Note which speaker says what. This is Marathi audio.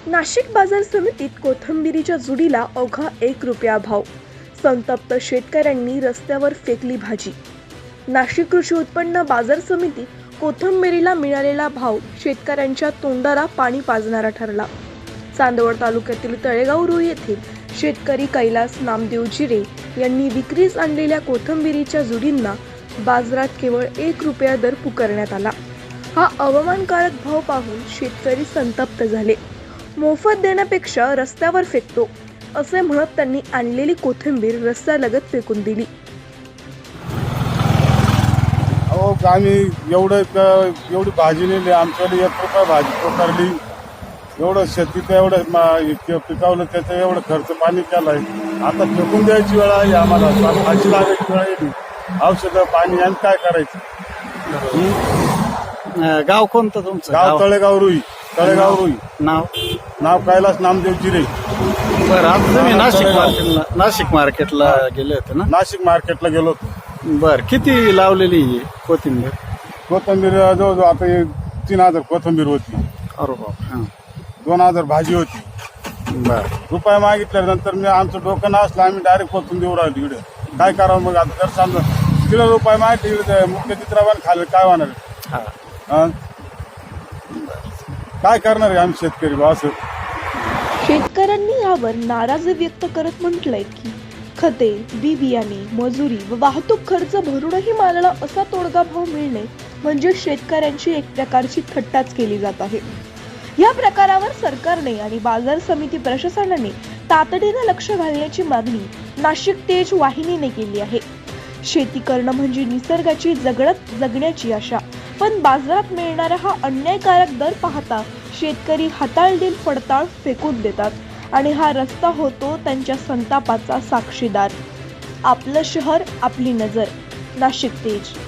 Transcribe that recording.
Speaker 1: नाशिक बाजार समितीत कोथिंबिरीच्या जुडीला अवघा 1 रुपया भाव. संतप्त शेतकऱ्यांनी रस्त्यावर फेकली भाजी. नाशिक कृषी उत्पन्न बाजार समितीत कोथिंबिरीला मिळालेला भाव शेतकऱ्यांच्या तोंडाला पाणी पाजणारा ठरला. चांदवड तालुक्यातील तळेगाव रुई येथील शेतकरी कैलास नामदेव जिरे यांनी विक्रीस आणलेल्या कोथिंबिरीच्या जुडींना बाजारात केवळ 1 रुपया दर पुकारण्यात आला. हा अवमानकारक भाव पाहून शेतकरी संतप्त झाले. मोफत देण्यापेक्षा रस्त्यावर फेकतो असे म्हणत त्यांनी आणलेली कोथिंबीर रस्त्यालगत फेकून दिली.
Speaker 2: अहो आम्ही एवढी भाजी नेली, आमच्याकडे 1 रुपया भाजी पुकारली. एवढं शेतीचं एवढं पिकावलं, त्याचं एवढं खर्च पाणी केलाय. आता फेकून द्यायची वेळ आहे आम्हाला. भाजी लागायची वेळ येते. औषधं पाणी आणि काय करायचं.
Speaker 3: गाव कोणतं तुमचं?
Speaker 2: गाव तळेगाव रुई. नाव कैलास नामदेव जिरे.
Speaker 3: बरं, आता तुम्ही नाशिक मार्केटला गेले होते ना?
Speaker 2: नाशिक मार्केटला गेलो होतो.
Speaker 3: बरं, किती लावलेली कोथिंबीर?
Speaker 2: जवळजवळ आता 3,000 कोथिंबीर होती.
Speaker 3: अरे बाप.
Speaker 2: 2,000 भाजी होती.
Speaker 3: बरं,
Speaker 2: रुपये मागितल्यानंतर मी आमचं डोकं नसलं, आम्ही डायरेक्ट कोथून देऊ राहिलो इकडे. काय करावं मग आता? जर समजा तिला रुपये मागितले इकडे मुख्य चित्रावर खाल्लं काय होणार? काय करणार आहे आम्ही शेतकरी बा? असं
Speaker 1: शेतकऱ्यांनी यावर नाराजी व्यक्त करत म्हटलंय की खते, बी बियाणे, मजुरी व वाहतूक खर्च भरूनही मालाला असा तोडगा भाव मिळणे म्हणजे शेतकऱ्यांची एक प्रकारची थट्टाच केली जात आहे. या प्रकारावर सरकारने आणि बाजार समिती प्रशासनाने तातडीने लक्ष घालण्याची मागणी नाशिक तेज वाहिनीने केली आहे. शेती करणं म्हणजे निसर्गाची जगण्याची आशा, पण बाजारात मिळणारा हा अन्यायकारक दर पाहता शेतकरी हाताळदिल फडताळ फेकून देतात आणि हा रस्ता होतो त्यांच्या संतापाचा साक्षीदार. आपलं शहर, आपली नजर. नाशिक तेज.